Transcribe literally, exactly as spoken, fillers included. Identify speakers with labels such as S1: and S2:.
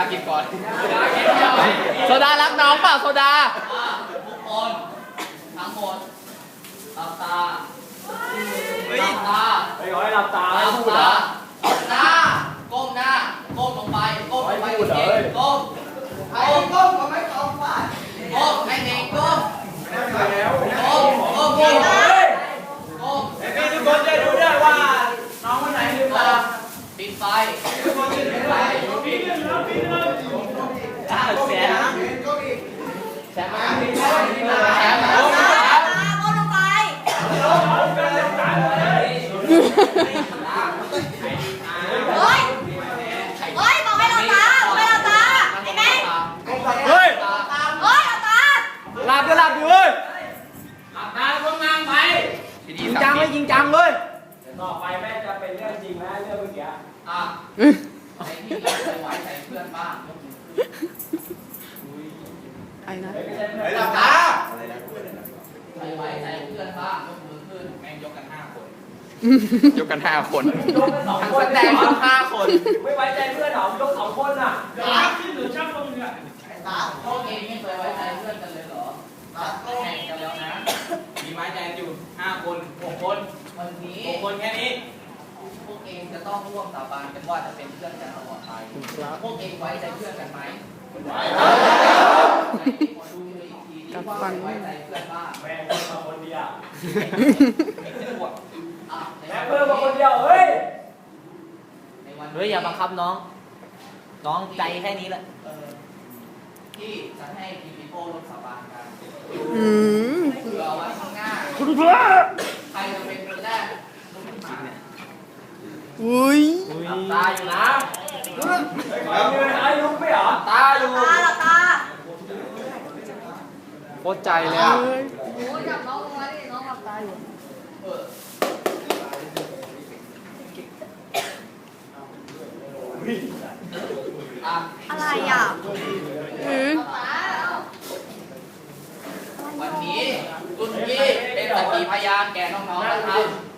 S1: กินก่อน
S2: โซดารักน้องเปล่าโซดา
S1: ทุกคนทั้งหมดหลับตาหลับตา
S3: ไปขอให้หลับตา
S1: หลับตาหลับตาก้มหน้าก้มลงไปก้มลงไปจริงๆก้มก้มก้มก็ไม่ก้มว่าก้มให้เด็กก้มก้มก้มก้มก้ม
S3: พี่ทุกคนจะดูได้ว่าน้องคนไหนลืมตา
S1: ปิดไฟทุกคนปิดไฟปิดแล้วปิดแล้ว
S3: ตาแสบ
S1: แสบมากแสบมากแสบมาก
S4: ก้มลงไปเฮ้ยเฮ้ยบอกให้เราตาบอกให้เราตาไอ้แม่
S3: เฮ้ย
S4: เฮ้ยเราตา
S3: หลับก็หลับอยู่เว้ย
S1: หลับตาก้มหน้าไป
S3: จริงจังเลยจริงจังเลยต่อไปแม่จะเป็นเรื่องจริงนะเรื่องเมื่อกี้
S1: อ่ะใครที่ไม่ไหวใจเพื่อนบ้าง
S2: ไอ้นะ
S1: ไอ้หลับตาใครไหวใจเพื่อนบ้างยกมือขึ้นแม่งยกกันห้าคน
S2: ยกกันห้าคน
S3: ทั้งแสดงทั้งห้าคนไม่ไว้ใจเพื่อนหรอยกสองคนอ่ะขึ้นหรือช่างตรงนี้
S1: พวกเองไม่เคยไว้ใจเพื่อนกันเลยเหรอแข่งกันแล้วนะมีไว้ใจอยู่ห้าคนหกคนวันนี้หกคนแค่นี้พวกเองจะต้องร่วมสาบานกันว่าจะเป็นเพื่อนกันตลอดไปพวกเองไว้ใจเพื่อนกันไหมไว้ดูเลยอีกทีที่ว่าไว้ใจเพื่อนบ้าง
S3: แม่เพิ่มมาคนเดียวแม่เพิ่มมาคนเดียวเฮ้ย
S1: เฮ้ยอย่าบังคับน้องน้องใจแค่นี้แหละที่จะให้พีพีโป้ร่วมสาบานกัน
S2: อืม
S1: เผื่อไว้ข้างหน้าใครจะเป็นคนแรก
S2: อุ้ย
S1: ตาอยู่นะ
S3: ไอ้ลุกไม่เหรอ
S1: ตาอยู่
S4: ตาหลับตา
S2: โคตรใจเลยอ่ะ
S4: โอ้ยจับน้องลงมาดิน้องหลับตาอยู่อะไรอ่ะ
S1: วันนี้คุณพี่เป็นสักขีพยานแก่น้องๆนะครับ